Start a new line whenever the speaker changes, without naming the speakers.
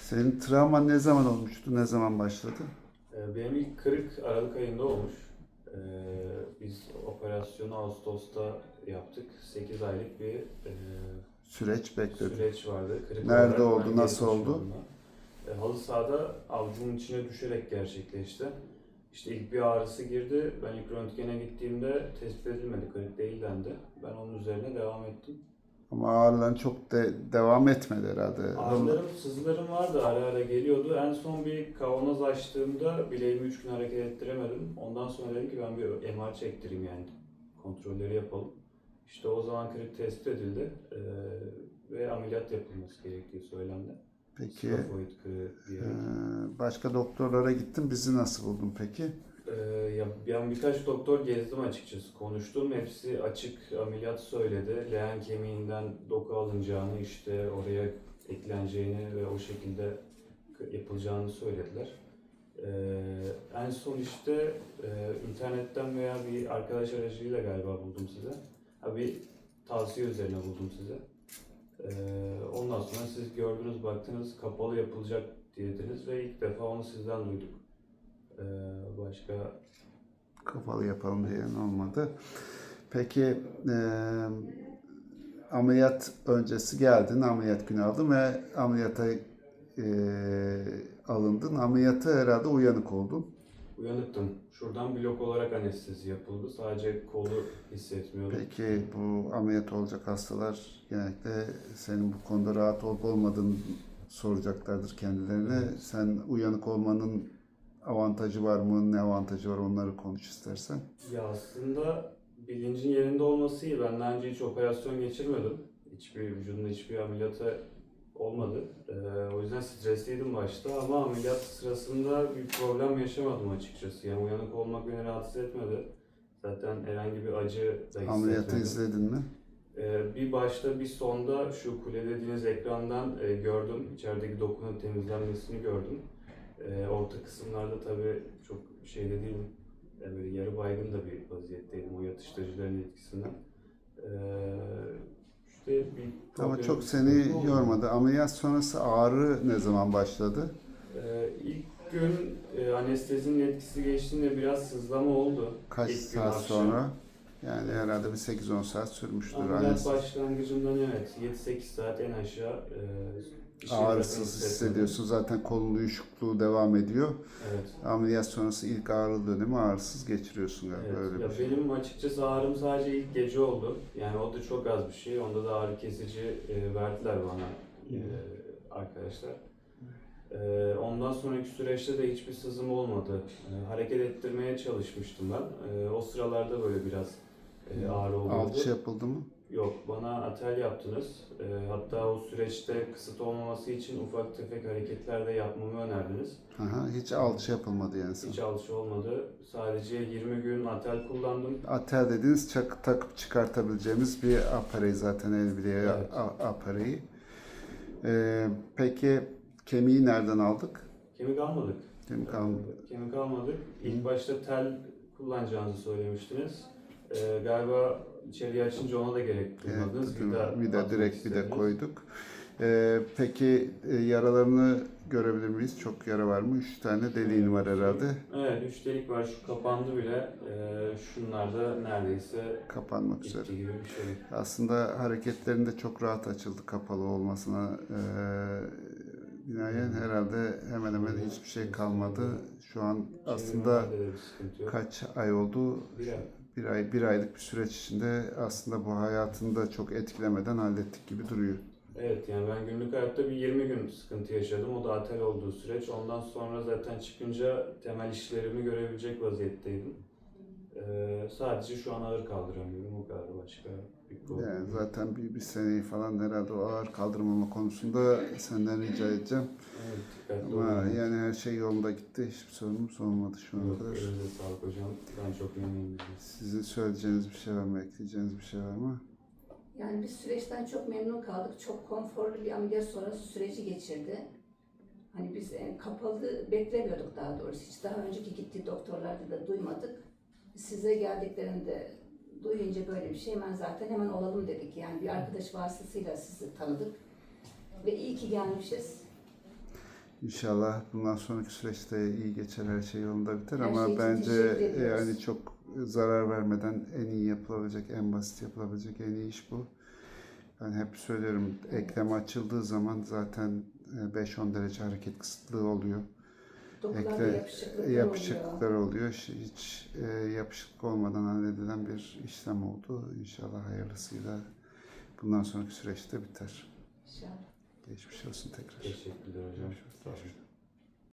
Senin travman ne zaman olmuştu? Ne zaman başladı?
Benim ilk kırık Aralık ayında olmuş. Biz operasyonu Ağustos'ta yaptık. 8 aylık bir
Süreç bekledi.
süreç vardı. Kırık
Nerede
olarak
oldu?
ben
Nasıl
geçmişim
oldu?
onunla. Halı sahada avucumun içine düşerek gerçekleşti. İşte ilk bir ağrısı girdi. Ben ilk röntgene gittiğimde tespit edilmedi, kırık değil dendi. Ben onun üzerine devam ettim.
Ama ağrıların çok devam etmedi herhalde.
Ağrılarım, sızılarım vardı, ara ara geliyordu. En son bir kavanoz açtığımda bileğimi 3 gün hareket ettiremedim. Ondan sonra dedim ki ben bir MR çektireyim yani. Kontrolleri yapalım. İşte o zaman kırık tespit edildi ve ameliyat yapılması gerektiği söylendi.
Peki
Skafoid kırığı diyerek.
başka doktorlara gittin. Bizi nasıl buldun peki?
Ya ben birkaç doktor gezdim açıkçası. Konuştum. Hepsi açık ameliyat söyledi. Leğen kemiğinden doku alınacağını, işte oraya ekleneceğini ve o şekilde yapılacağını söylediler. En son işte internetten veya bir arkadaş aracılığıyla galiba buldum size. Bir tavsiye üzerine buldum size. Ondan sonra siz gördünüz, baktınız, kapalı yapılacak dediniz ve ilk defa onu sizden duyduk. Başka
Kapalı yapalım diyen olmadı. Peki ameliyat öncesi geldin. Ameliyat günü aldın ve ameliyata alındın. Ameliyata herhalde uyanık oldun.
uyanıktım. Şuradan blok olarak anestezi yapıldı. Sadece kolu hissetmiyordum.
Peki bu ameliyat olacak hastalar genellikle senin bu konuda rahat olup olmadığını soracaklardır kendilerine.
Evet.
Sen uyanık olmanın avantajı var mı? Ne avantajı var? Onları konuş istersen.
Ya aslında bilincin yerinde olması iyi. Ben daha önce hiç operasyon geçirmedim. Vücudumda hiçbir ameliyata olmadı. O yüzden stresliydim başta ama ameliyat sırasında bir problem yaşamadım açıkçası. Yani uyanık olmak beni rahatsız etmedi. Zaten herhangi bir acı da
Ameliyatı
hissetmedim.
izledin mi?
Bir başta bir sonda şu kule dediğiniz ekrandan gördüm. İçerideki dokunun temizlenmesini gördüm. Orta kısımlarda tabii çok şeyde değilim. Böyle yarı baygın da bir vaziyetteydim o yatıştırıcıların etkisinden. Ee, işte bir
Ama
problem,
çok
bir
seni
sıkıntı olmadı.
yormadı. Ameliyat sonrası ağrı ne zaman başladı?
İlk gün anestezinin etkisi geçtiğinde biraz sızlama oldu.
Kaç
İlk gün
saat
akşam.
sonra? Yani herhalde bir 8-10 saat sürmüştür.
Ameliyat başlangıcından evet 7-8 saat en aşağı bir şey zaten
Ağrısız
hissetmedim.
hissediyorsun. Zaten kolun uyuşukluğu devam ediyor.
Evet.
Ameliyat sonrası ilk ağrılı dönemi ağrısız geçiriyorsun galiba.
Evet.
Öyle
Ya
bir şey.
benim açıkçası ağrım sadece ilk gece oldu. Yani o da çok az bir şey. Onda da ağrı kesici verdiler bana arkadaşlar. Ondan sonraki süreçte de hiçbir sızım olmadı. Hareket ettirmeye çalışmıştım ben. O sıralarda böyle biraz ağrı oluyordu.
Alçı yapıldı mı?
Yok, bana atel yaptınız. Hatta o süreçte kısıt olmaması için ufak tefek hareketler de yapmamı önerdiniz.
Aha, hiç alçı yapılmadı yani sana.
Hiç alçı olmadı. Sadece 20 gün atel kullandım.
Atel dediğiniz takıp çıkartabileceğimiz bir aparey zaten el bileği
Evet.
apareyi. Peki kemiği nereden aldık?
Kemik almadık.
Kemik almadık.
Kemik almadık. İlk başta tel kullanacağınızı söylemiştiniz. Galiba içeriye açınca ona da gerek duymadınız.
Evet, vida direkt vida
istediniz.
koyduk. Peki yaralarını görebilir miyiz? Çok yara var mı? 3 tane deliğin var herhalde.
Evet, 3 delik var. Şu kapandı bile. Şunlar da neredeyse
Kapanmak üzere.
bitti gibi bir şey.
Aslında hareketlerinde çok rahat açıldı kapalı olmasına binaen herhalde hemen hemen hiçbir şey kalmadı. Şu an aslında
Çevirmelerde de bir sıkıntı yok.
kaç ay oldu?
Bir ay.
Bir aylık bir süreç içinde aslında bu hayatını da çok etkilemeden hallettik gibi duruyor.
Evet, yani ben günlük hayatta bir 20 gün sıkıntı yaşadım. O da atel olduğu süreç. Ondan sonra zaten çıkınca temel işlerimi görebilecek vaziyetteydim. Sadece şu an ağır kaldıramıyorum. O kadar, başka bir problem
Yani
yok.
zaten bir seneyi falan herhalde o ağır kaldırmama konusunda senden rica edeceğim.
Evet, dikkatli
Ama
olun.
yani her şey yolunda gitti. Hiçbir sorunumuz olmadı şu ana
Yok,
kadar.
elinize sağlık hocam. Ben çok memnunum.
Sizin söyleyeceğiniz bir şey var mı? Ekleyeceğiniz bir şey var mı?
Yani biz süreçten çok memnun kaldık. Çok konforlu bir ameliyat sonrası süreci geçirdi. Hani biz kapalı beklemiyorduk daha doğrusu. Hiç daha önceki gittiği doktorlarda da duymadık. Size geldiklerinde duyunca böyle bir şey hemen olalım dedik. Yani bir arkadaş vasıtasıyla sizi tanıdık. Ve iyi ki gelmişiz.
İnşallah bundan sonraki süreçte iyi geçer, her şey yolunda biter
Her
ama
şey için
bence
teşekkür ediyoruz.
yani çok zarar vermeden en iyi yapılabilecek, en basit yapılabilecek en iyi iş bu. Ben hep söylüyorum, eklem açıldığı zaman zaten 5-10 derece hareket kısıtlığı oluyor.
Dokularda yapışıklıklar
Yapışıklıklar
oluyor.
oluyor. Hiç yapışıklık olmadan halledilen bir işlem oldu. İnşallah hayırlısıyla bundan sonraki süreçte biter.
İnşallah.
Geçmiş olsun tekrar.
Teşekkürler hocam.
Görüşürüz.